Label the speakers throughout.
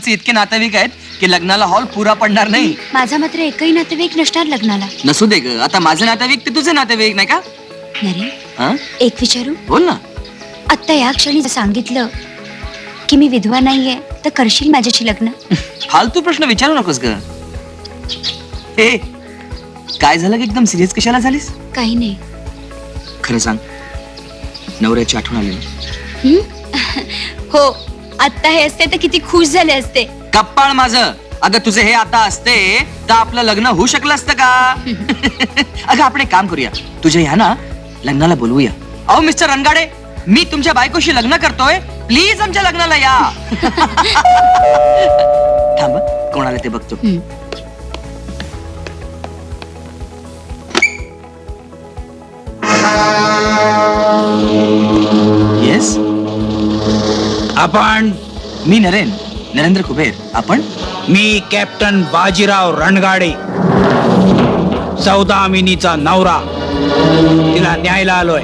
Speaker 1: आमचे इतके नातेवाईक आहेत की लग्नाला हॉल पुरा पडणार नाही.
Speaker 2: माझा मात्र एकही नातेवाईक नसणार लग्नाला.
Speaker 1: नसू दे ग, आता माझे नातेवाईक ते तुझे नातेवाईक नाही का?
Speaker 2: नरे
Speaker 1: हा?
Speaker 2: एक विचारू?
Speaker 1: बोल ना.
Speaker 2: आता या क्षणी सांगितलं की मी विधवा नाहीये तर करशील माझ्याशी लग्न?
Speaker 1: फालतू प्रश्न विचारू नकोस ग. हे काय झालं की एकदम सिरियस कशाला झालीस?
Speaker 2: काही नाही.
Speaker 1: खरं सांग, नवऱ्याची आठवण आली ना?
Speaker 2: हो, आता हे असते तर किती खुश झाले असते.
Speaker 1: कप्पाळ माझं. अगं तुझे हे आता असते तर आपलं लग्न होऊ शकलं असतं का? अगं आपण एक काम करूया, तुझ्या ह्या ना लग्नाला बोलवूया. अहो मिस्टर रणगाडे, मी तुमच्या बायकोशी लग्न करतोय, प्लीज आमच्या लग्नाला या. थांब, कोणाला ते बघतो. येस,
Speaker 3: आपण?
Speaker 1: मी नरेंद्र कुबेर. आपण?
Speaker 3: मी कॅप्टन बाजीराव रणगाडे, सौदामिनीचा नवरा. तिला न्यायला आलोय.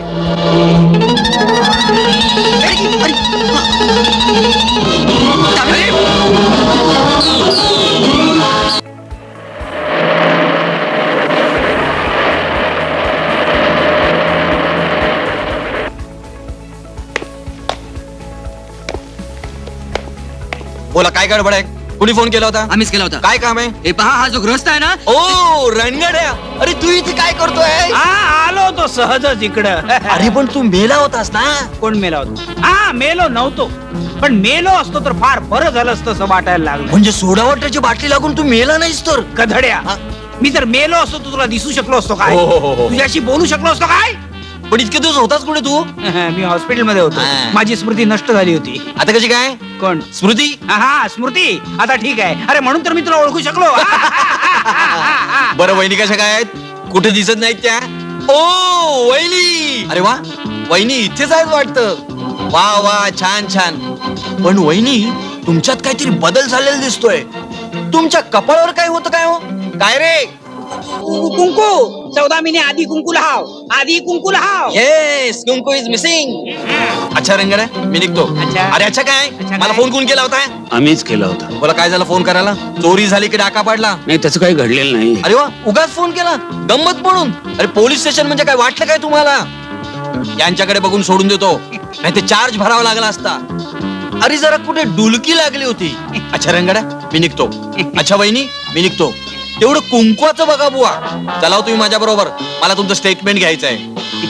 Speaker 4: बोला, काय गडबड आहे? कुणी फोन केला होता?
Speaker 1: आम्हीच केला होता.
Speaker 4: काय काम आहे?
Speaker 1: हे पहा, हा जो गृहस्थ आहे ना.
Speaker 4: ओ रणगड्या, अरे तू इथे काय करतोय?
Speaker 3: आलो तो सहजच इकडं.
Speaker 4: अरे पण तू मेला होतास ना?
Speaker 3: कोण मेला होता? हा, मेलो नव्हतो, पण मेलो असतो तर फार बरं झालं असतं असं वाटायला लागलं.
Speaker 4: म्हणजे सोडा वॉटरची बाटली लागून तू मेला नाहीस तर?
Speaker 3: गधड्या, मी जर मेलो असतो तर तुला दिसू शकलो असतो काय?
Speaker 4: हो.
Speaker 3: तुझ्याशी बोलू शकलो असतो काय?
Speaker 4: पण इतके दिवस होतास कुठे तू?
Speaker 3: मी हॉस्पिटल मध्ये होतो. माझी स्मृती नष्ट झाली होती.
Speaker 4: आता कशी काय?
Speaker 3: कोण?
Speaker 4: स्मृती?
Speaker 3: हा, स्मृती आता ठीक आहे. अरे म्हणून तर मी तुला ओळखू शकलो.
Speaker 4: बरं, वहिनी कशा काय आहेत? कुठे दिसत नाहीत त्या? ओ वहिनी, अरे वा, वहिनी इथेच आहेत वाटतं. वा वा, छान छान. पण वहिनी, तुमच्यात काहीतरी बदल झालेला दिसतोय. तुमच्या कपाळावर काय होतं काय हो? काय रे?
Speaker 3: कुंकू. सौदामिनी आधी कुंकू लाव. आधी कुंकू लाव.
Speaker 4: येस, कुंकू इज मिसिंग. अच्छा रंगड्या, मी निघतो.
Speaker 3: अच्छा.
Speaker 4: अरे अच्छा काय?
Speaker 3: अच्छा
Speaker 4: मला
Speaker 3: काय?
Speaker 4: फोन कोण केला होता?
Speaker 5: आम्हीच केला होता.
Speaker 4: बोला, काय झालं फोन करायला? चोरी झाली की डाका पाडला?
Speaker 5: नाही, त्याचं काही घडलेलं नाही.
Speaker 4: अरे वा, उगाच फोन केला गंमत म्हणून? अरे पोलीस स्टेशन म्हणजे काय वाटलं काय तुम्हाला? यांच्याकडे बघून सोडून देतो, नाही ते चार्ज भरावा लागला असता. अरे जरा कुठे डुलकी लागली होती. अच्छा रंगड्या, मी निघतो. अच्छा वहिनी, मी निघतो. तेवढं कुंकवाचं बघा बुवा. चला तुम्ही माझ्या बरोबर, मला तुमचं स्टेटमेंट घ्यायचं आहे.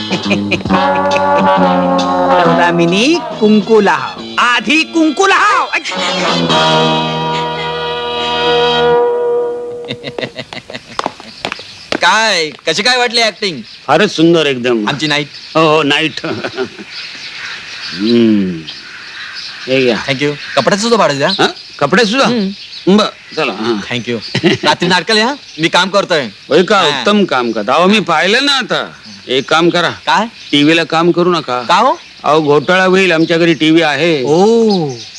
Speaker 3: सौदामिनी कुंकू लाव. आधी कुंकू लाव.
Speaker 4: काय, कशी काय वाटली ऍक्टिंग?
Speaker 5: फारच सुंदर एकदम.
Speaker 4: आमची नाईट.
Speaker 5: हो, नाईट. हे घ्या.
Speaker 4: थँक्यू. कपड्याचं सुद्धा भाडं द्या.
Speaker 5: हा? कपडे सुद्धा? बर, चला. हा.
Speaker 4: थँक्यू. रात्री नाटकाला या, मी काम करतोय.
Speaker 5: होय का? उत्तम काम करता. अहो मी पाहिलं ना आता. एक काम करा,
Speaker 4: काय?
Speaker 5: टीव्हीला काम करू नका.
Speaker 4: का हो?
Speaker 5: अहो घोटाळा होईल. आमच्या घरी टीव्ही आहे.
Speaker 4: ओ